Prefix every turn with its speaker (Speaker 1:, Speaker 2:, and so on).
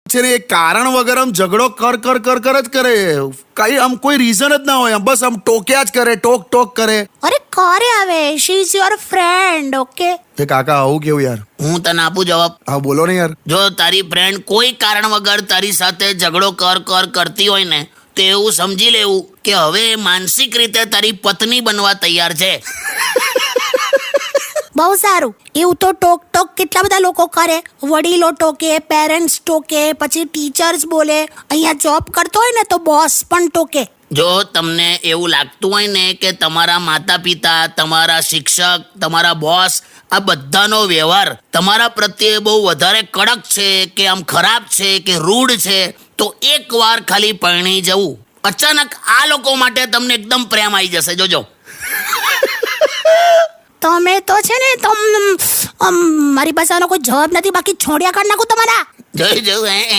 Speaker 1: છે ને એ કારણ વગર આમ ઝઘડો કર જ કરે. કઈ આમ કોઈ રીઝન જ ના હોય, આમ બસ આમ ટોક્યા જ કરે, ટોક કરે.
Speaker 2: અરે કરે હવે, she is your friend. Okay
Speaker 1: એ કાકા આવું કેવું યાર?
Speaker 3: હું તને આપું જવાબ.
Speaker 1: હા બોલો ને યાર.
Speaker 3: જો તારી ફ્રેન્ડ કોઈ કારણ વગર તારી સાથે ઝઘડો કરતી હોય ને, તો એવું સમજી લેવું કે હવે એ માનસિક રીતે તારી પત્ની બનવા તૈયાર છે.
Speaker 2: બહુ સારું. એવું તો ટોક કેટલા બધા લોકો કરે. વડીલો ટોકે, પેરેન્ટ્સ ટોકે, પછી ટીચર્સ બોલે. અહીંયા જોબ કરતો હોય ને તો બોસ પણ ટોકે.
Speaker 3: જો તમને એવું લાગતું હોય ને કે તમારા માતા પિતા, તમારા શિક્ષક, તમારા બોસ, આ બધાનો વ્યવહાર તમારા પ્રત્યે બહુ વધારે કડક છે કે આમ ખરાબ છે કે રૂડ છે, તો એકવાર ખાલી પરણી જવું. અચાનક આ લોકો માટે તમને એકદમ પ્રેમ આવી જશે, જોજો.
Speaker 2: તમે તો છે ને મારી પાસે આનો કોઈ જવાબ નથી, બાકી છોડ્યા કાઢ નાખું તમારા.
Speaker 3: જોયું